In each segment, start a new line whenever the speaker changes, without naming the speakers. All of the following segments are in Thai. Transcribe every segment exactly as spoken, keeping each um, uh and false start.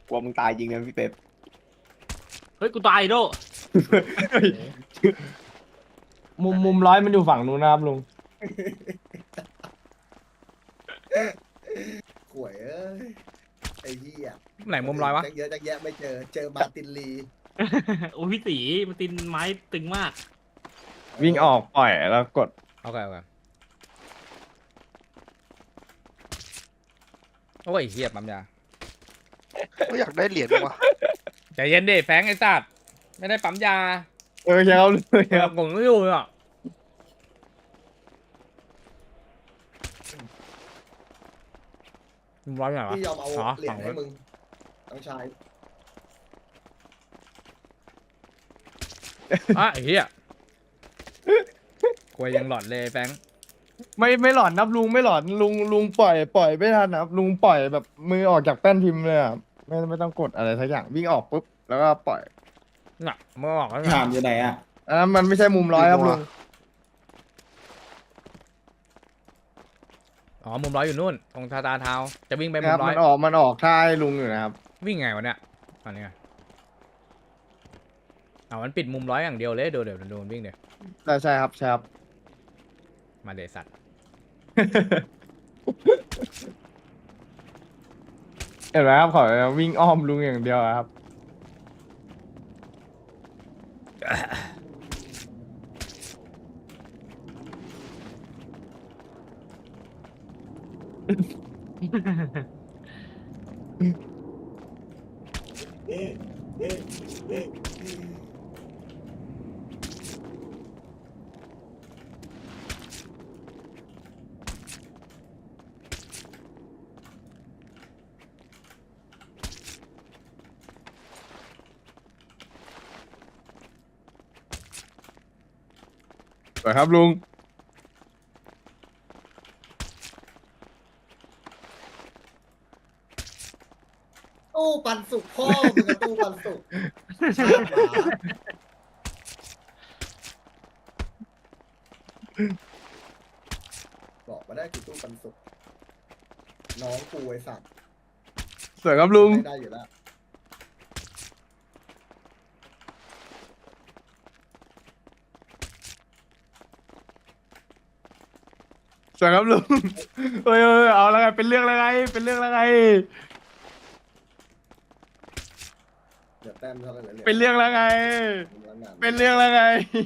กลัวมึงตายจริงนะพี่เป๊ป
เฮ้ยกูตายโด
มุมมุมร้อยมันอยู่ฝั่งนู้นนะครับลุง
ข่วยเอ้ยไอ้เหี้ย
ไหนมุมร้อยวะ
จักเยอะจักแยะไม่เจอเจอมาร์ตินลี
โอ้ยพี่ตีมันตินไม้ตึงมาก
วิ่งออกปล่อยแล้วกด
โอเคโอเคโอ้ยเฮียปั๊มยา
ก็อยากได้เหรียญว่ะ
ใจเย็นดิแฟงไอ้สัตว์ไม่ได้ปั๊มยา
เออใช่ครับลุง
เออผมไม่อยู่อ่ะมุมร้อยไหนวะ
พี่ยอมเอา
อ๋อ
เหรีย
ฝั่
ญ
ง
ให้
นู้น
มึงน้องชาย
อ่ะไอ้เหี้ยควยยังหลอดเลยแฟง
ไม่ไม่หลอนนับลุงไม่หลอนลุงลุงปล่อยปล่อยไม่ทันนะครับลุงปล่อยแบบมือออกจากแป้นพิมพ์เลยอ่ะไม่ไม่ต้องกดอะไรสักอย่างวิ่งออกปุ๊บแล้วก็ปล่อย
น่ะเมื่อออกแล้ว
ถามอยู่ไหนอ่ะ
อันนั้นมันไม่ใช่มุมร้อยครับลุง
อ๋อมุมร้อยอยู่นู่นตรงทาตาเท้าจะวิ่งไปมุ
ครั
ม
บ
ร้อ
มั
ย
นออกมันออกท่าให้ลุงอยู่นะครับ
วิ่งไงวะเนี่ยอันนี้ไงอ๋อมันปิดมุมร้อยอย่างเดียวเลยเดี๋ยวเดี๋ยวโดนวิ่งเดี๋ยว
ใช่ใช่ครับใช่ครับ
มาเดสัตว์
เห็นไหมครับขอวิ่งอ้อมลุงอย่างเดียวอะครับ สวยครับลุง
ตู้ปันสุกพ่อมึงกับตู้ปันสุกชาติหมาบอกมาได้กี่ตู้ปันสุกน้องกูไอ้สัตว์
สวยครับลุง
ไม่ได้อยู่แล้ว
สวยครับลุงเฮ้ยเฮ้ยเอาแล้วไงเป็นเรื่องแล้วไงเป็นเรื่องแล้วไง
เดี๋ยวแต้มเท่าไหร่เนี่ย
เป็นเรื่องแล้วไง
งาน
เป็นเรื่องแล้วไง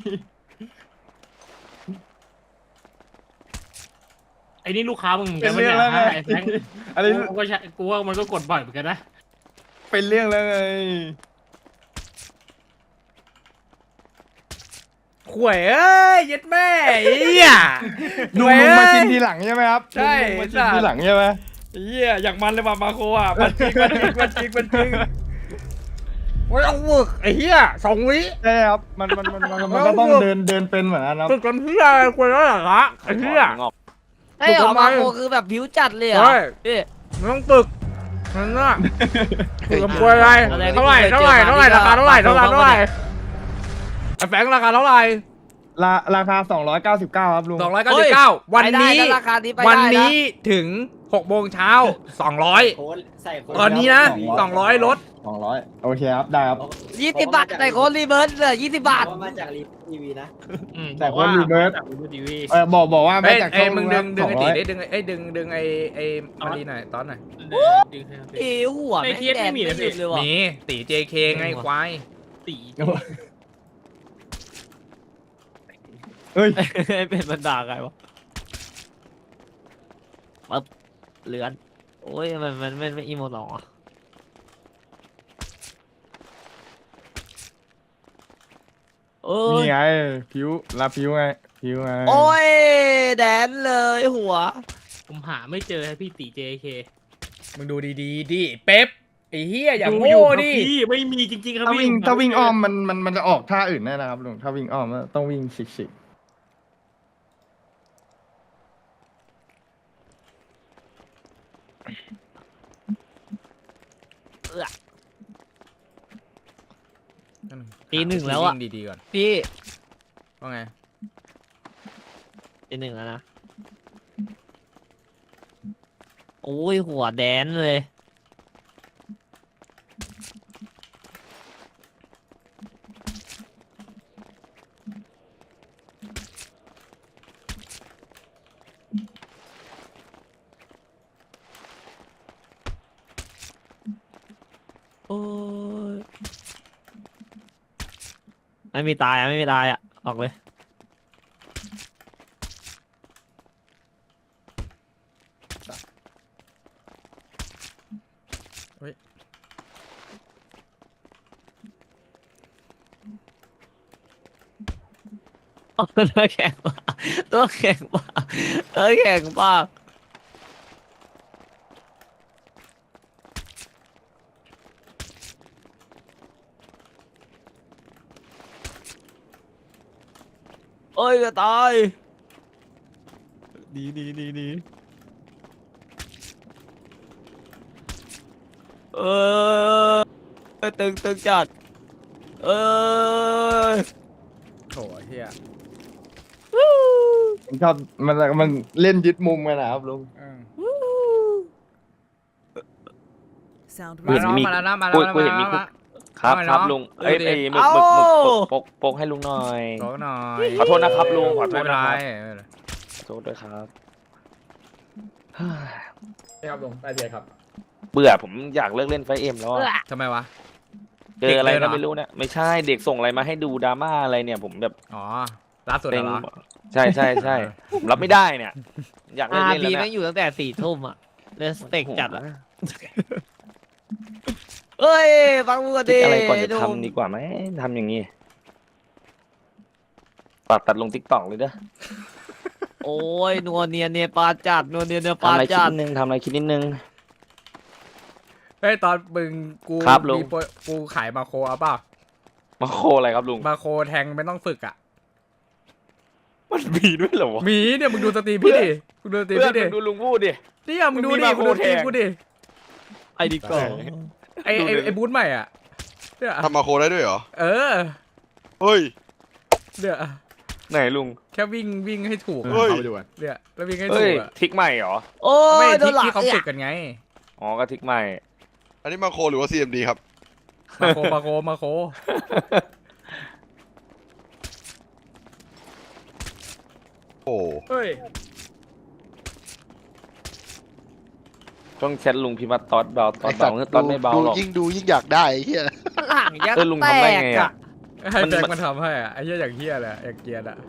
ไอ้นี่ลูกค้ามึงเหมือน
เป็
กัน
น
ปะ
เรื่
เนี่
อง
ย
แล้วไง
ฮะไอ้แฟง
อันนี้
กูก็ใช่กูว่ามันก็กดบ่อยเหมือนกันนะ
เป็นเรื่องแล้วไง
ขวยเอ้ยยัดแม่ไอ้เหี้ย
ลุงลุงมาชิมทีหลังใช่ไหมครับ
ใช่
ลุงมาชิมทีหลังใช่ไหม
ไอ้เหี้ยอยากมันเลยว่ะมาโคอ่ะมันจริงมันจริงมันจริงมันจริงโอ้ยเอาฝึกไอ้เหี้ยสองวิ
ใช่ครับมันมันมันมันมันก็ต้องเดินเดินเป็นเหมือนกันครับ
ฝึกกันเหี้ยอะไรควรแล้วเหรอละไอ้เหี้ย
ไอ้เหรอมาโคคือแบบผิวจัดเลยเหรอ
ใช่
พี่
มันต้องฝึกนั่นน่ะฝึกกับควรอะไรเท่าไหร่เท่าไหร่เท่าไหร่ราคาเท่าไหร่เท่าไหร่เท่าไหร่ไอ้แฟงราคาเท่าไหร่
ราราคาสองร้อยเก้าสิบเก้าครับลุง
สองร้อยเก้าสิบเก้าวัน
ไปได้
นี้
นะราคานี้ไป
วัน
ได้
นี้ถึงหกโมงเช้าสองร้อย
โค้ดใส่โค้ด
ตอนนี้นะสองร้อยลด
สองร้อยโอเคครับได้ครับ
ยี่สิบบาทแต่โค้ดรีเบิร์สเลยยี่สิบบาท
ว่ามาจากรีทีวีนะ
อืม
แต่คนรีเบิร์ส
จากรีเบิร์สทีวี
เออบอกบอกว่า
เอ้
ไม่
ย
จาก
เอ้ย
ช่อง
มึงดึงดึง
ส
ไอ้
อ
ตี
ร้อย
ได้ดึงไอ้ดึงดึงไอ้ไอ้มาดีหน่อยตอนหน่อย
ดึงให้ครับ
เอ้หัว
ใน
แม่ง
เทียส
แด
ไม่
ง
มี
ไม่
นะ
หยุดเลยว่ะ
มีตี เจ เค ไงควาย
ตี
เฮ้ย
เป็นบรรดาไงวะปั๊บเลือนโอ้ยมันมันมันไม่อีโมหรอโอ้
นี่
ย
ไงผิวลาผิวไงผิวไง
โอ้ยแดนเลยหัว
ผมหาไม่เจอให้พี่ตี เจ เค
มึงดูดีๆดิเป๊ปไอ้เหี้ยอย่า
ดู
โง่
อยู่ครับ
ดิ
พี่ไม่มีจริงๆครับ
ถ้า
พี่
วิ่ง
ผ
ถ้าวิ่ง
ไเจ
อ้อมมันมันมันจะออกท่าอื่นแน่นะครับลุงถ้าวิ่งอ้อมต้องวิ่งฉิกฉิก
ตีหนึ่งแล้วอะ
วิ่ดีๆก่อน
พี่
ว่าไง
ตีหนึ่งแล้วนะโอ้ยหัวแดนเลยโอ้ยไม่มีตายอ่ะไม่มีตายอ่ะออกเลยโอ้ยตัวแข็งมากตัวแข็งมากตัวแข็งมากโอ้ยจะตายดีดีดีดีเออตึงตึงจัดเออ
โถเฮีย
มันชอบมันมันเล่นยึดมุมกันนะครับลุง
อืม
Sound
มาแล้วมาแล้วนะมาแล้ว
กู
นะ
กู
มา
เห็นมี
แล้ว
คุ
นะ
ก ครับ
ทำไม
ครับ
เนาะ
ลุงเอ้ย
ดูดิ
ไอ้หมึกหมึกหมึกปกปกปกปกให้ลุงหน่อย
บอกหน่อย
ขอโทษนะครับลุงขอโท
ไม่
ษ
เป็น
นะ
ไร
ครับขอโทษด้วยครับ
ครับลุงได้เลยครับ
เบื่อผมอยากเลิกเล่นไฟเอ็มแล้วอะ
ทำไมวะ
เจออะไร
เด็กเลยเหร
ก็
อ
ไม่รู้เนี่ยไม่ใช่เด็กส่งอะไรมาให้ดูดราม่าอะไรเนี่ย ผมแบบ
อ๋อล่าสุด
เต็ง
เหรอ
ใช่ใช่ใช่ผมรับไม่ได้เนี่ย อยากเลิ
อาก
เล่น
บี
แล้ว
แม่
เนี่ย
งอยู่ตั้งแต่สี่ทุ่มอ่ะเล่นสเต็กจัดอ่ะเอ้ยฟังกูก่อน
คิ
ดิ
ดอะไรก่อนจะ
ดู
ทำดีกว่าไหมทำอย่างนี้ฝากตัดลงทิกตอกเลยเด้อ
โอ้ยนัวเนียเนียปลาจัดนัวเนียเนียป
ทำ
ลา
อะไรคิด
จัด
นิดนึงทำอะไรคิดนิดนึง
เฮ้ยตอนมึงกู
ครับลุง
มีโปรกูขายมาโคเอาเปล่า
มาโคอะไรครับลุง
มาโคแทงไม่ต้องฝึกอ่ะ
มันมีด้วยเหรอวะ
มีเนี่ยมึงดูสตรีมพี่ดิมึงดูสตรีม
เพื่อน
พี่ดิ
มึงดูลุงพูดดิ
เนี่ยมึงดู
มึงมี
ดิ
มา
มึงดู
โค
สตรีม
แทง
กูดิ
ไอ้ดิโก้
ไอไอไอบูธใหม่อ่ะเนี่ย
ทำมาโคได้ด้วยเหรอ
เออ
เฮ้ย
เนี่ย
ไหนลุง
แค่วิ่งวิ่งให้ถูกอะ
เฮ้ย
เนี่ยแล้ววิ่งให้
เฮ้
ถู
ย
กอ่ะ
ทิกใหม่เหรอ
โอ้
ไม่
ยโด
ที่
นหลัง
ที่เขา
เนี่
ฝึ
ย
กกันไง
อ๋อก็ทิกใหม่
อันนี้มาโคหรือว่า ซี เอ็ม ดี ครับ
มาโคมาโคมาโค
โอ้
เฮ้ย
ต้องแชทลุงพิมพ์ว่าตอดเบาตอ
ไอ
ด
สั
เบา
ตว์
เฮ้ยตอดไม่เบา
ดู
หรอก
ยิ่งดูยิ่งอยากได้ไอ้เหี้ย
หลังยัก
เออลุง
แต
ทำได้
ก
ไง
อ่ะ
อะ
ให้
มัน
แฟง
มัน
มาทำให้อ่ะไอ้เหี้ยอย่างเหี้ยเลยอะอย่างเกรียร์อ่ะ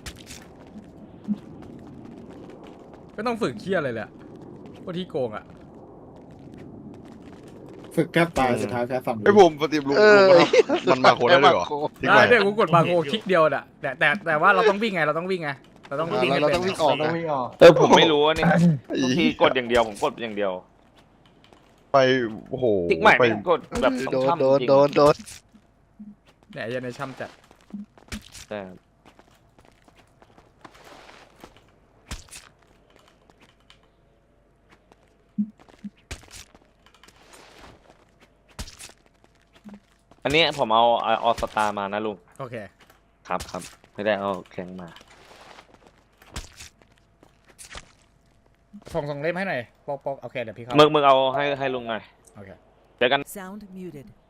ไม่ต้องฝึกเหี้ยอะไรเลยอะพวกที่โกงอ่ะ
ฝึกแทบตายสุดท้ายแพ้ฝั่ง
ไอ้ผมปฏิบัติลุง
เออ
ลุงมันมาโคได้ด้วยเหรอทิ้ง
ได้
ไว้
เนี่ยกูกดมาโคคลิกเดียวน่ะแต่แต่แต่ว่าเราต้องวิ่งไงเราต้องวิ่งไงเราต้องวิ่งให้
เรา
เป็น
ต้องวิ่งออก
ต้อ
นะ
งวิ่งออก
เออผมไม่รู้ว่านี่บางทีกดอย่างเดียวผมกดอย่างเดียว
ไปโอ้โห
ทิกใหม่
ไป
ไม่กดแบบ
โด
ต้อง
น
ทำ
โดน
จริง
โดนโดน
เนี่ยไอ้เหี้ยันในช่ำจัด
แต่อันนี้ผมเอาเอาออสตามานะลุง
โอเค
ครับครับไม่ได้เอาแข็งมา
ส่งส่งเล่มให้หน่อยปอกปอกโอเคเดี๋ยวพี่เข้า
มึงมึงเอาให้ให้ลุงหน่อย
โอเค
เจอกัน
Sound muted.